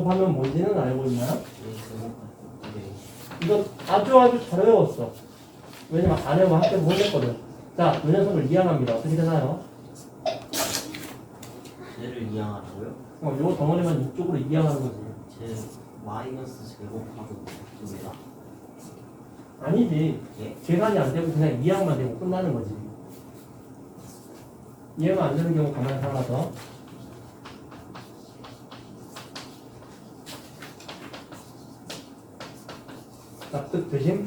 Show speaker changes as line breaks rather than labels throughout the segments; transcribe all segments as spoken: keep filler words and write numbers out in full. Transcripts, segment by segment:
곱하면 뭔지는 알고 있나요?
A 제곱 네.
이거 아주 아주 잘 외웠어. 왜냐면 안 외우면 학교에서 혼냈거든. 자, 이 녀석을 이항합니다. 어떻게 되나요?
쟤를 이항하라고요?
어, 요 덩어리만 이쪽으로 이항하는 거지.
제 마이너스 제곱하고 듭니다.
아니지.
예?
계산이 안 되고 그냥 이항만 되고 끝나는 거지. 이해가 안 되는 경우 가만히 살아서. 납득 되심?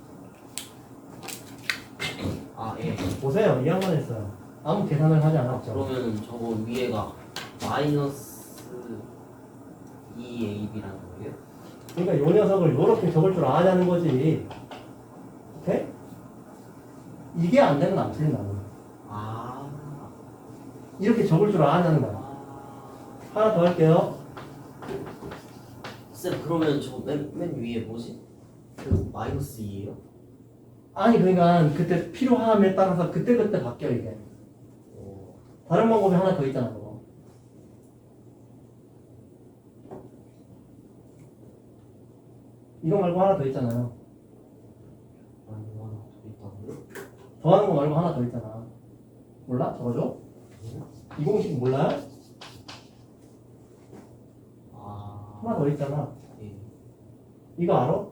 아 예.
보세요. 이항만 했어요. 아무 계산을 하지 않았죠.
그러면 저거 위에가 마이너스 이 에이비라는 거예요?
그러니까 요 녀석을 요렇게 적을 줄 알아야하는 거지. 오케이? 이게 안 되면 안 틀린다고.
아.
이렇게 적을 줄 알아야하는 거야.
아.
하나 더 할게요.
쌤 그러면 저 맨 맨 위에 뭐지? 그 마이너스 이예요?
아니 그러니까 그때 필요함에 따라서 그때그때 바뀌어 이게.
어.
다른 방법이 하나 더 있잖아 그거. 이거 말고 하나 더 있잖아요.
아니 이거 하나 더 있다고요?
더하는 거 말고 하나 더 있잖아. 몰라? 적어줘? 이 공식 몰라요?
아.
하나 더 있잖아.
예.
이거 알아?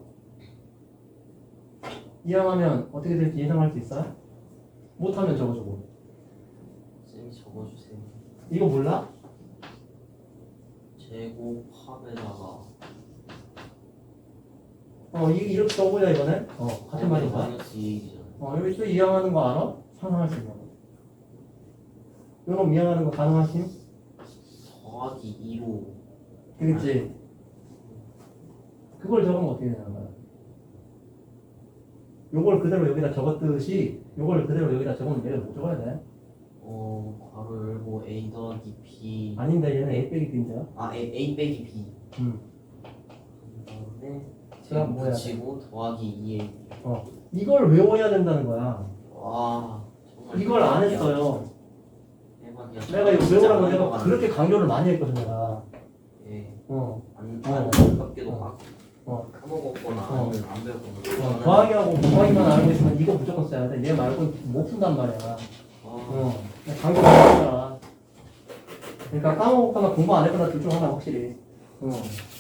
이항하면 어떻게 될지 예상할 수 있어요? 못하면 적어주고.
쌤이 적어주세요.
이거 몰라?
제곱합에다가
어, 이, 이렇게 써보자 이번에. 어, 같은 말인가?
마이너스 이 에이비잖아요.
어, 여기 또 이항하는 거 알아? 상상할 수 있는 거. 요놈 이항하는 거 가능하심?
더하기 이로
그겠지? 그걸 적으면 어떻게 되는 거야? 요걸 그대로 여기다 적었듯이 요걸 그대로 여기다 적으면 얘를 못 적어야 돼.
어 괄호 열고 A 더하기 B
아닌데 얘는 A 빼기 B인데요?
아 A, A 빼기 B
음.
그다음에
그다음 뭐 해야 돼?
붙이고 더하기 이 에이비.
어. 이걸 외워야 된다는 거야.
와 정말
이걸 안
대박이야.
했어요.
대박이야.
내가 이거
진짜
외우라고
안
내가
넘어가네.
그렇게 강조를 많이 했거든 내가.
예.
어.
안
어.
안타깝게도
어.
막
어.
까먹었거나
어.
아니면 안 배웠거나
어,
저는-
더하기하고 곱하기만 알고 있으면 이거 무조건 써야 돼. 얘 말고는 못 푼단 말이야.
아,
어. 강조 많이 했잖아. 그러니까 까먹었거나 공부 안 했거나 둘 중 하나 확실히. 어.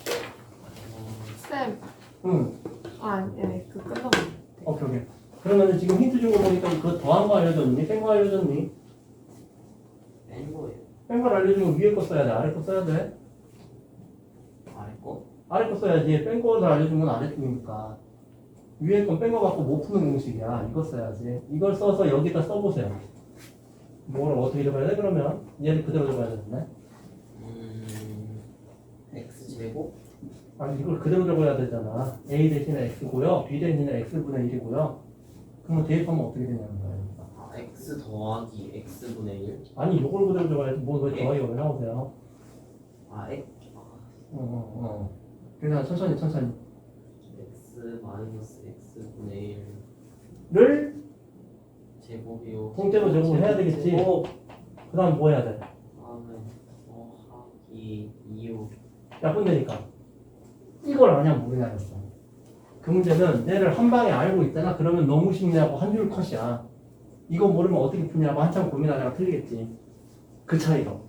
쌤,
응.
아, 예, 그 끝나면
오케이, 오케이. 그러면 지금 힌트 준 거 보니까 그 더한 거 알려줬니? 뺀 거 알려줬니?
뺀 거예요.
뺀 걸 알려주면 위에 거 써야 돼? 아래 거 써야 돼?
아래 거?
아래 거 써야지. 뺀 거를 알려준 건 아래 쪽이니까. 위에 건 뺀 거 갖고 못 푸는 공식이야. 이거 써야지. 이걸 써서 여기다 써보세요. 뭘 어떻게 적어야 돼? 그러면 얘를 그대로 적어야 되겠네.
음 x 제곱
아니 이걸 그대로 적어야 되잖아. A 대신에 X고요. B 대신에 X분의 일이고요. 그러면 대입하면 어떻게 되냐는 거예요.
아, x 더하기 x분의 일.
아니 이걸 그대로 적어야지. 뭐왜 더하기가 왜 나오세요?
아 x 아,
어, 어, 어. 그냥 천천히 천천히.
x 마이너스 x분의
를
일 제곱이요.
통째로 제곱을 해야 되겠지.
제곱.
그 다음 뭐 해야 돼?
다음에 더하기 이요.
약분되니까. 이걸 아냐 모르냐였어. 그 문제는 얘를 한 방에 알고 있잖아. 그러면 너무 쉽냐고 한 줄 컷이야. 이거 모르면 어떻게 푸냐고 한참 고민하다가 틀리겠지. 그 차이로.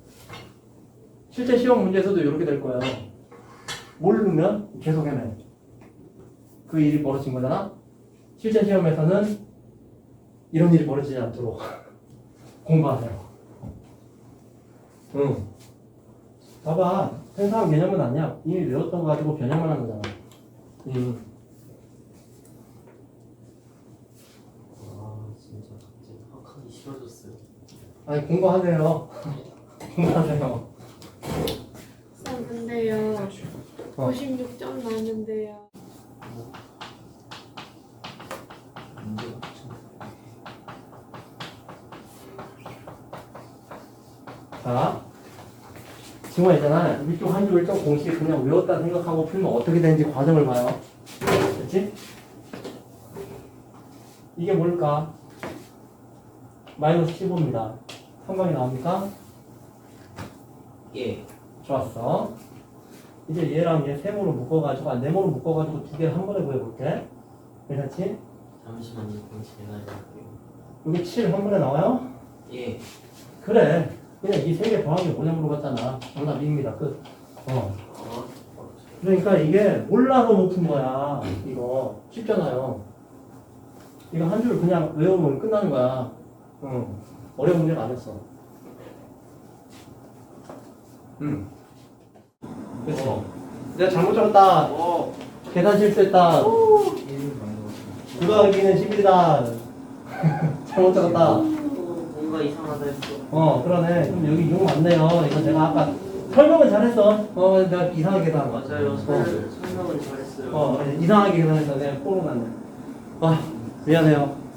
실제 시험 문제에서도 이렇게 될 거예요. 모르면 계속 해내. 그 일이 벌어진 거잖아. 실제 시험에서는 이런 일이 벌어지지 않도록 공부하세요. 응. 봐봐. 생사한 개념은 아니야. 이미 외웠던 거 가지고 변형만 한 거잖아. 응.
아 진짜 갑자기 학하기 싫어졌어요.
아니 공부하세요. 공부하세요.
쌤, 근데요,
어.
오십육 점 나는데요.
문제가 참.
자, 지금 있잖아. 위쪽 한 줄 일정 공식 그냥 외웠다 생각하고 풀면 어떻게 되는지 과정을 봐요. 그렇지? 이게 뭘까? 마이너스 십오입니다. 한 방에 나옵니까?
예.
좋았어. 이제 얘랑 얘 세모로 묶어가지고, 아, 네모로 묶어가지고 두 개를 한 번에 구해볼게. 괜찮지?
잠시만요. 그럼 제가 해볼게요.
여기 칠 한 번에 나와요?
예.
그래. 그냥 이 세 개 더한 게 뭐냐 물어봤잖아. 정답 이입니다. 끝. 어.
어.
그러니까 이게 몰라서 못 푼 거야. 이거. 쉽잖아요. 이거 한 줄 그냥 외우면 끝나는 거야. 응. 어려운 문제가 아니었어. 응. 그치?
어.
내가 잘못 적었다.
어.
계산 실수했다. 구더하기는 십이다. 잘못 적었다.
또 뭔가 이상하다 했어.
어, 그러네. 그럼 여기 용 맞네요. 이거 제가 아까 설명은 잘했어. 어, 내가 이상하게 계산한 거.
맞아요.
어,
설, 설명은 잘했어요.
어, 이상하게 계산해서 내가 뽀로 났네. 아, 미안해요.